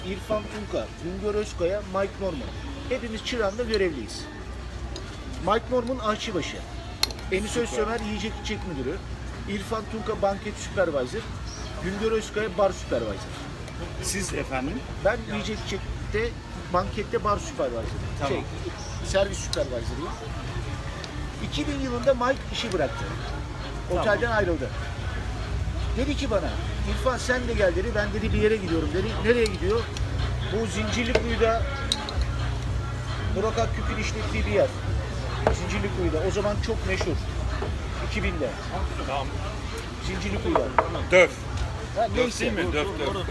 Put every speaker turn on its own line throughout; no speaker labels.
İrfan Tunka, Güngör Özkaya, Mike Norman. Hepimiz Çırağan'da görevliyiz. Mike Norman aşçıbaşı. Enis Özsömer yiyecek içecek müdürü. İrfan Tunka banket supervisor. Güngör Özkaya bar supervisor.
Siz efendim?
Ben yiyecek içecekte, bankette bar supervisor.
Tamam.
Servis supervisor'ıyım. 2000 yılında Mike işi bıraktı. Otelden ayrıldı. Dedi ki bana, İrfan sen de gel dedi. Ben dedi bir yere gidiyorum dedi. Nereye gidiyor? Bu Zincirlikuyu'da Burak Akgük'ün işlettiği bir yer. Zincirlikuyu'da. O zaman çok meşhur. 2000'de.
Tamam.
Zincirlikuyu'da.
Döf.
Ha,
Döf
neyse.
değil mi? Döf.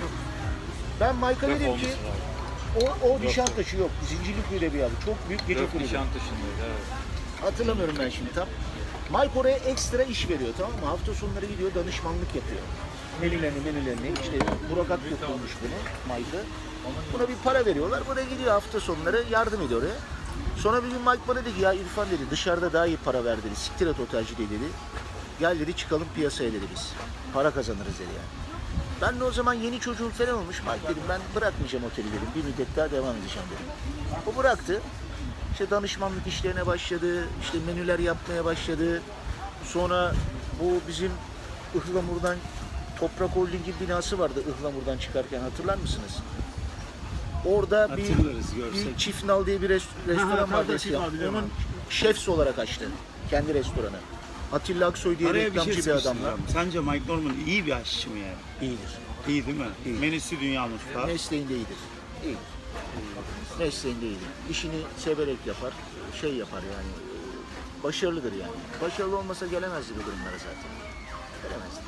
Ben Mike'a
Döf
dedim
olması
ki
lazım.
o Nişantaşı yok. Zincirlikuyu'da bir yer. Çok büyük gece
Döf
kulübü.
Nişantaşı'ndaydı, evet.
Hatırlamıyorum ben şimdi tam. Mike oraya ekstra iş veriyor, tamam mı? Hafta sonları gidiyor, danışmanlık yapıyor. Menülerini. İşte Burak Akgök bulmuş bunu, Mike'ı. Buna bir para veriyorlar. Buraya gidiyor hafta sonları, yardım ediyor oraya. Sonra bir gün Mike bana dedi ki, ya İrfan dedi, dışarıda daha iyi para ver dedi. Siktir et otelci dedi. Gel dedi, çıkalım piyasaya dedi biz. Para kazanırız dedi yani. Ben de o zaman yeni çocuğum falan olmuş. Mike dedim, ben bırakmayacağım oteli dedim. Bir müddet daha devam edeceğim dedim. O bıraktı. İşte danışmanlık işlerine başladı, işte menüler yapmaya başladı. Sonra bu bizim Ihlamur'dan Toprak Holding'in binası vardı Ihlamur'dan çıkarken, hatırlar mısınız? Orada bir Çift Nal diye bir restoran vardı eskiden. Onun şefs olarak açtı kendi restoranı. Atilla Aksoy diye reklamcı bir adamla.
Sence Mike Norman iyi bir aşçı mı yani?
İyidir.
İyi değil mi?
İyi.
Menüsü dünya mutfağı.
Mesleğinde iyidir. İyidir. Mesleğinde iyidir. İşini severek yapar, şey yapar yani. Başarılıdır yani. Başarılı olmasa gelemezdi bu durumlara zaten. Gelemezdi.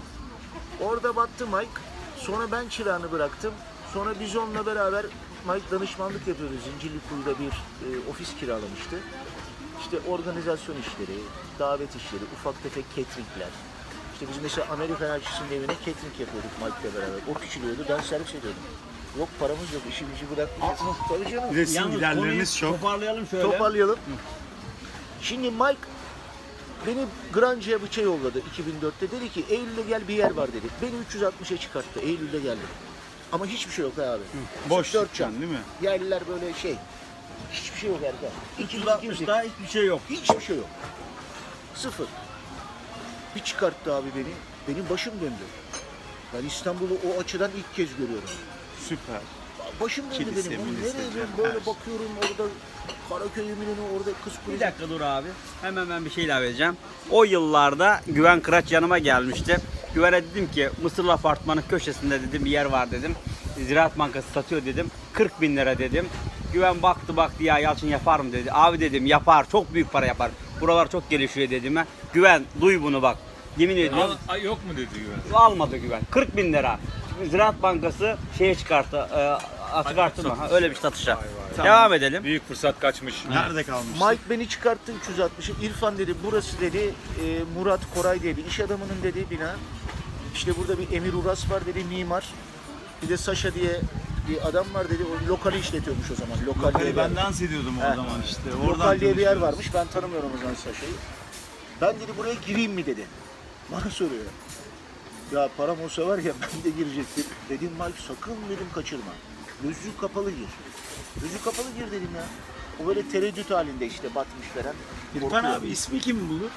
Orada battı Mike. Sonra ben çırağını bıraktım. Sonra biz onunla beraber Mike danışmanlık yapıyordu. Zincirlikuyu'da bir ofis kiralamıştı. İşte organizasyon işleri, davet işleri, ufak tefek cateringler. İşte biz mesela Amerikan elçisinin evine catering yapıyorduk Mike'la beraber. O küçülüyordu, ben servis ediyordum. Yok paramız yok, işimizi bırakmayacağız. Tabii canım.
Bir de sizin giderleriniz çok.
Toparlayalım şöyle.
Toparlayalım. Şimdi Mike beni Granca'ya bıçağı yolladı 2004'te. Dedi ki Eylül'de gel bir yer var dedi. Beni 360'a çıkarttı. Eylül'de geldim. Ama hiçbir şey yok abi.
Boş
Dört
dükkan
can.
değil mi?
Yerliler böyle şey. Hiçbir şey yok Erkan.
360'da hiçbir şey yok.
Hiçbir şey yok. Sıfır. Bir çıkarttı abi beni. Benim başım döndü. Ben İstanbul'u o açıdan ilk kez görüyorum.
Süper.
Başım döndü
Kilise,
benim. Oğlum
milise,
nereye ben
her
böyle
şey.
bakıyorum orada Karaköy Eminönü, orada Kız
Bir
Kulesi.
dakika dur abi. Hemen ben bir şey ilave edeceğim. O yıllarda Güven Kıraç yanıma gelmişti. Güven'e dedim ki Mısırlı Apartmanı köşesinde dedim bir yer var dedim. Ziraat Bankası satıyor dedim. 40 bin lira dedim. Güven baktı ya Yalçın yapar mı dedi. Abi dedim yapar, çok büyük para yapar. Buralar çok gelişiyor dedim. Güven duy bunu bak. Yemin ediyorum.
Yok mu dedi Güven?
Almadı Güven. 40 bin lira. Ziraat Bankası şeye çıkarttı. Açık artırma. Ha, öyle bir satışa. Devam edelim.
Büyük fırsat kaçmış.
Nerede kalmış?
Mike beni çıkarttı 360'ı. İrfan dedi burası dedi Murat Koray diye bir iş adamının dediği bina. İşte burada bir Emir Uras var dedi, mimar. Bir de Saşa diye bir adam var dedi. O lokali işletiyormuş o zaman. Lokal diye bir
Ben
yer.
dans ediyordum o zaman işte.
Lokal diye bir yer
tanışıyoruz.
varmış. Ben tanımıyorum o zaman Saşa'yı. Ben dedi buraya gireyim mi dedi. Bana soruyor. Ya param olsa var ya ben de girecektim. Dedim Mike sakın dedim kaçırma. Gözü kapalı gir. Gözü kapalı gir dedim ya. O böyle tereddüt halinde işte batmış falan.
İrfan
Korkuyor.
abi ismi kim bulur?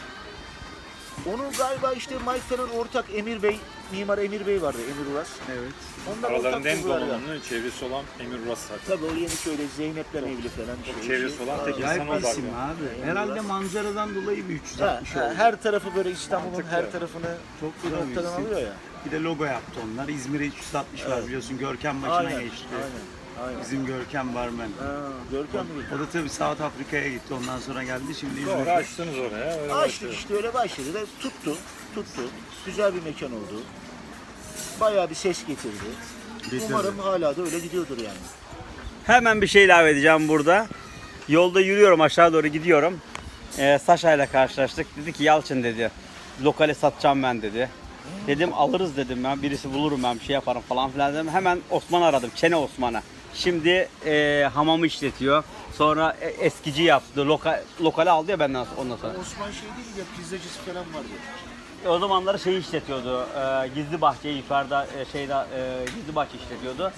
Onu galiba işte Mike falan ortak Emir Bey, mimar Emir Bey vardı, Emir Uras.
Evet.
Onlar
Aralarında en
buldular ya.
donanımlı çevresi olan Emir Uras zaten.
Tabii o yeni şöyle Zeynep'le evli falan.
Çok
şey,
çevresi olan tek
Acayip
insan o
bir isim
zaten.
abi. Herhalde manzaradan dolayı bir 360 oldu.
Her tarafı böyle İstanbul'un
Mantıklı.
her tarafını
Çok
bir
güzel bir
noktadan
isim.
alıyor ya.
Bir de logo yaptı onlar. İzmir'e 360 var biliyorsun. Görkem başına
Aynen,
geçti.
aynen.
Bizim Görkem barmen.
Görkem mi?
O da tabii South Afrika'ya gitti. Ondan sonra geldi. Şimdi
Doğru
İzmir'de.
açtınız oraya. Öyle
Açtık
başladı.
işte öyle başladı da tuttu. Güzel bir mekan oldu. Bayağı bir ses getirdi. Umarım hala da öyle gidiyordur yani.
Hemen bir şey ilave edeceğim burada. Yolda yürüyorum, aşağı doğru gidiyorum. Saşa ile karşılaştık. Dedi ki Yalçın dedi. Lokale satacağım ben dedi. Dedim alırız dedim ben. Birisi bulurum ben bir şey yaparım falan filan dedim. Hemen Osman'ı aradım. Çene Osman'ı. Şimdi hamamı işletiyor. Sonra eskici yaptı. Lokale aldı ya benden ondan sonra.
Osman şey değil ya, pizzacısı falan vardı.
O zamanları şey işletiyordu. Gizli bahçeyi yukarıda Gizli bahçe işletiyordu.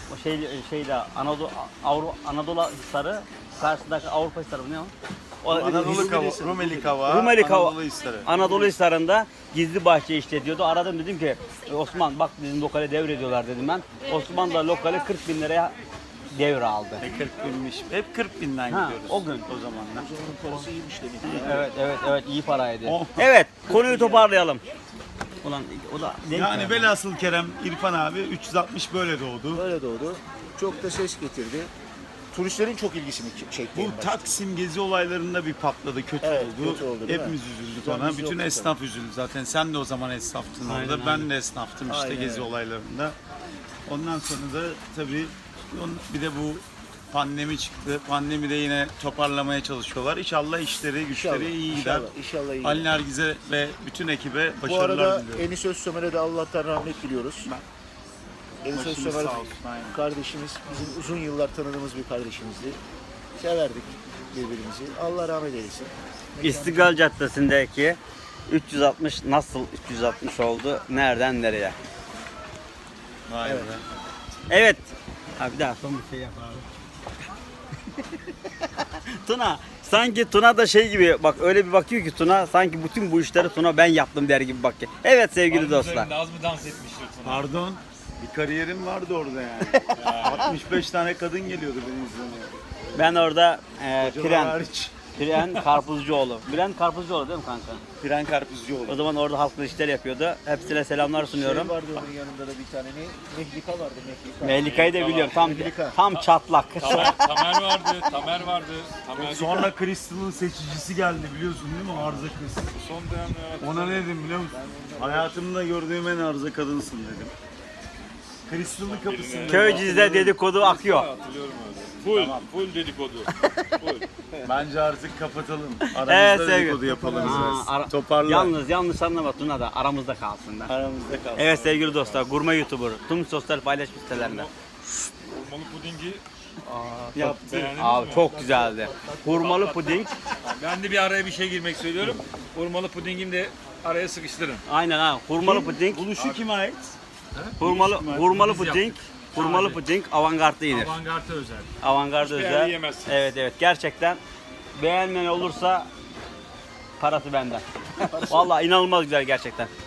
O şeyde Anadolu Hisarı, karşısındaki Avrupa Hisarı mı ne o?
Rumeli Kava,
Rumeli Kava,
Anadolu Hisarı.
Anadolu Hisarı'nda gizli bahçe işletiyordu. Aradım dedim ki Osman bak bizim lokale devrediyorlar dedim ben. Osman da lokale 40 bin liraya devraldı.
40 binmiş. Hep 40 binden
Ha,
gidiyoruz.
o gün.
O zamanlar.
Onun parası iyiymiş demek ki.
Evet iyi paraydı.
Oh.
Evet konuyu toparlayalım. Ulan o da denk
Yani
geldi.
velhasıl Kerem İrfan abi 360 böyle doğdu.
Böyle doğdu. Çok da ses getirdi. Turistlerin çok ilgisini çekti. en
Bu
başta.
Taksim gezi olaylarında bir patladı, kötü
Evet,
oldu.
kötü oldu, değil
Hepimiz
mi?
üzüldük
Güzel
ona.
biz
Bütün
yoktuk
esnaf üzüldü zaten. Sen de o zaman esnaftın
Aynen,
orada.
aynen.
Ben de esnaftım işte
Aynen,
gezi
evet.
olaylarında. Ondan sonra da tabii bir de bu pandemi çıktı. Pandemide yine toparlamaya çalışıyorlar. İnşallah işleri, güçleri iyi gider.
İnşallah iyi.
Ali Nergiz'e ve bütün ekibe
Bu
başarılar
arada
diliyorum.
Enis Özsömer'e de Allah'tan rahmet diliyoruz. Enis
Başımız
Özsömer
sağ olsun, aynen.
kardeşimiz, bizim uzun yıllar tanıdığımız bir kardeşimizdi. Severdik birbirimizi. Allah rahmet eylesin.
İstiklal Caddesi'ndeki 360 nasıl 360 oldu? Nereden nereye?
Vay
Evet.
be.
Evet. Ha bir daha son bir şey yap abi. Tuna sanki Tuna da şey gibi bak öyle bir bakıyor ki Tuna sanki bütün bu işleri Tuna ben yaptım der gibi bakıyor. Evet sevgili dostlar.
Az mı dans etmiştir Tuna?
Pardon. Bir kariyerim vardı orada yani. 65 tane kadın geliyordu benim izlemeye.
Ben orada
Hocalar hariç.
Piren Karpuzcuoğlu. Bülent Karpuzcuoğlu değil mi kanka?
Piren Karpuzcuoğlu.
O zaman orada halkla işler yapıyordu. Hepsine selamlar sunuyorum.
Şey vardı onun yanında da bir tane ne? Mehlika vardı Mehlika.
Mehlika'yı da biliyorum. Tam
Mehlika.
tam çatlak.
Tamer vardı. Tamer
Sonra Crystal'ın seçicisi geldi biliyorsun değil mi? Arıza Crystal.
son dönemde
Ona ne dedim biliyor musun? Hayatımda gördüğüm en arıza kadınsın dedim. Crystal'ın kapısında.
Köyceğiz'de dedikodu akıyor.
hatırlıyorum öyle. Full dedikodu. Full.
Bence artık kapatalım. Aramızda
Evet, sevgili.
dedikodu yapalım biraz.
Aa,
Toparla.
Yanlış anlama Tuna da aramızda kalsın da.
Aramızda kalsın.
Evet sevgili dostlar, gurme YouTuber tüm sosyal paylaşım sitelerinde.
Hurmalı pudingi
Yaptı.
beğendiniz
Abi
mi?
çok güzeldi. Hurmalı puding.
Ben de bir araya bir şey girmek söylüyorum. Hurmalı pudingimi de araya sıkıştırın.
Aynen ha. Hurmalı puding.
Buluşu kime ait?
Hurmalı
Biz
puding. Hurmalı puding avantgardda yenir.
Avantgarde özel.
Avantgarda
Hiçbir
özel.
yerde yemezsiniz.
Evet gerçekten beğenmeyen olursa parası benden. Vallahi inanılmaz güzel gerçekten.